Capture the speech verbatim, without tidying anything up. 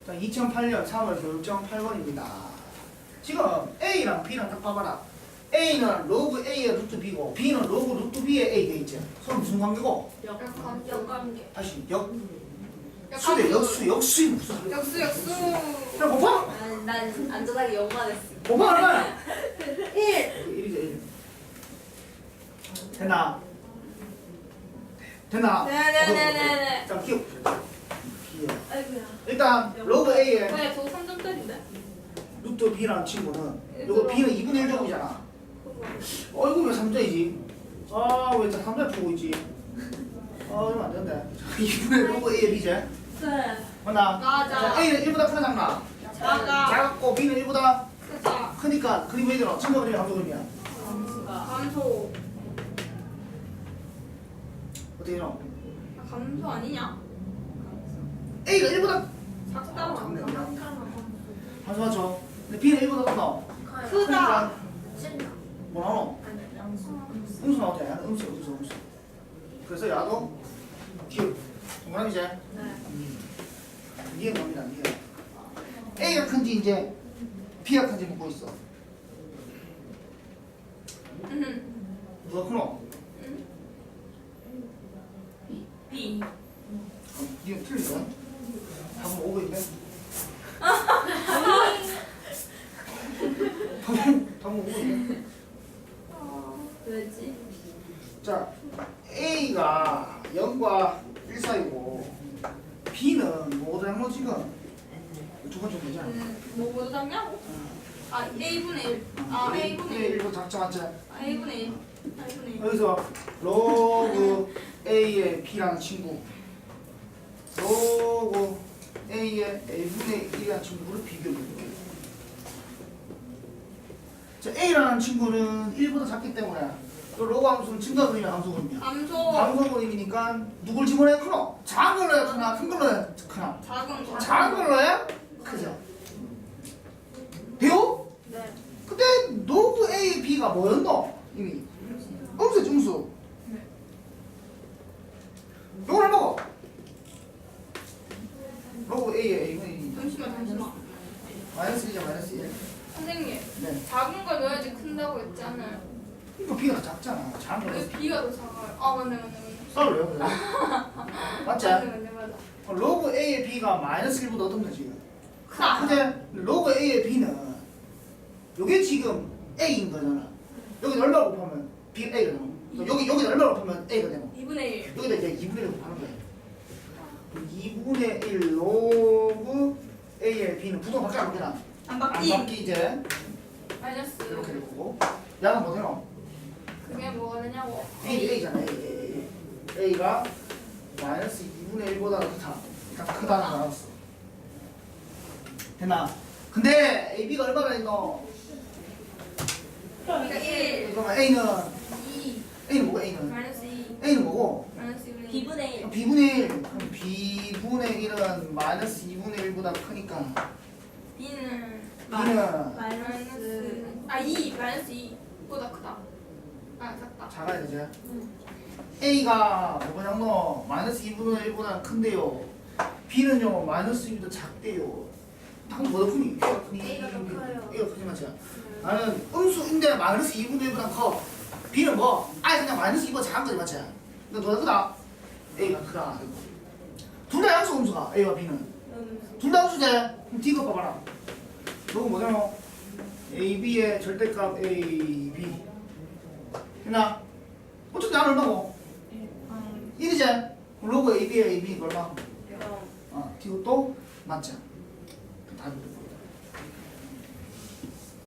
자, 이천팔 년 삼월 교육정 팔 번입니다. 지금 A랑 B랑 딱 봐봐라. A는 로그 A의 루트 B고 B는 로그 루트 B의 A 돼있지. 서로 무슨 관계고? 역관계. 다시 역 수대 역수 역수이 무슨 역수 역수. 그냥 곱하? 난, 난 안전하게 영만 했어. 곱하는 거야. 일. 일이죠 일. 됐나? 됐나? 네네네네네. 자 기억. 기억. 아이고야. 일단 로그 A의 왜 저거 삼 점짜리인데? 루트 B라는 친구는 요거 B는 이분의 일 제곱이잖아. 어이구 왜 삼 점이지? 아왜 삼 점 보고 있지? 아 이러면 안 되는데. 이분의 로그 A의 B지? 네. 맞나? 맞아. 자, A는 일보다 크나 작나? 작아. 작고 B는 일보다 크다. 크니까 그림 왜 되나? 증거 그림이 함수 그림이야. 감소. 어떻게 되나? 아, 감소 아니냐? A가 일보다 작다. 작네 그냥. 함수 맞죠? 근데 B는 일보다 크나? 크다. 뭐 나오노? 음수 나오지? 음수 음수 음수. 그래서 야도 기억. 동그라미지? 네. 이해가 갑니다. 이해. A가 큰지 이제 B가 큰지 묻고 있어. 음. 누가 크노? B. 이거 틀리네. 답은 오버인데? 답은 답은 오버인데? 왜지? 자, A가 영과 일 사이고 B는 뭐도 양로 지금 두 번째 되잖아. 음, 뭐 모두 작냐고? 아, A분의 일. 아, A분의 일. 일도 작자 맞지? 아, A분의 일. A분의 일. 여기서 로그 A의 B라는 친구, 로그 A의 A분의 일이라는 친구를 비교해볼게요. 자, A라는 친구는 일보다 작기 때문에 그 로그 함수는 증가 그림이 함수 그림이야. 감소. 함수 그림이니까 누굴 집어넣어야 크노? 작은 걸로 해야 크나? 큰 걸로 해야 크나? 작은 거. 작은 걸로 해야 크죠. 돼요? 네. 근데 로그 A, B가 뭐였노? 이미 음수 중수. 요걸 해먹어. 로그 A의 A분의 잠시만, 잠시만. 마이너스 일이자 마이너스 일. 선생님, 네. 작은 걸 넣어야지 큰다고 했지 않아요? 이거 B가 더 작잖아. 작은 걸 왜 해서 B가 더 작아요? 아, 맞네, 맞네, 맞네. 썰어요. 그래. 맞지? 맞네, 맞네, 맞아. 로그 A의 B가 마이너스 일보다 어떤데 지금? 크다. 근데 로그 A의 B는 요게 지금 A인 거잖아. 여기 얼마 곱하면 B가 A가 되노? 여기 여기 얼마 곱하면 A가 되노? 이분의 일. 여기다 이제 이분의 일 곱하는 거야. 이분의 일 로그 A의 B는 부동 밖에 안 바뀌나? 안 안 바뀌. 바뀌 이제 마이너스. 이렇게 될 거고. 야는 뭐 되노? 그게 뭐가 되냐고. A A잖아. A A A A가 마이너스 이분의 일보다 크다. 그러니까 크다는 거 알았어. 됐나? 근데 A B가 얼마나 있노? 그러니까 일. 그러면 A는 이. A는 뭐고 A는? 마이너스 이. A는 뭐고? 마이너스 이분의 일. B분의 일. B분의 일. 그럼 B분의 일은 마이너스 이분의 일보다 크니까 B는 B는 마이너스. 아, 이. 마이너스 이보다 크다. 아, 작다. 작아야 되지. A가 뭐냐면 마이너스 이분의 일보다 큰데요. B는요 마이너스 이보다 작대요. 당연 뭐더 크니? A가 크니? A가 더 커요. A가 크지 맞지? 나는 음수인데 마이너스 이분의 일보다 커. B는 뭐? 아예 그냥 마이너스 이보다 작은 거지 맞지? 근데 너가 크다? A가 크다. 둘 다 양수 음수가 A와 B는. 둘 다 음수제. 그럼 D가 봐봐라. 너가 뭐냐면 A, B의 절대값 A, B. 했나? 어차피 나는 얼마고? 일이지? 로그 A, B의 A, B 얼마? 어, D가 또 맞지? 다 이렇게.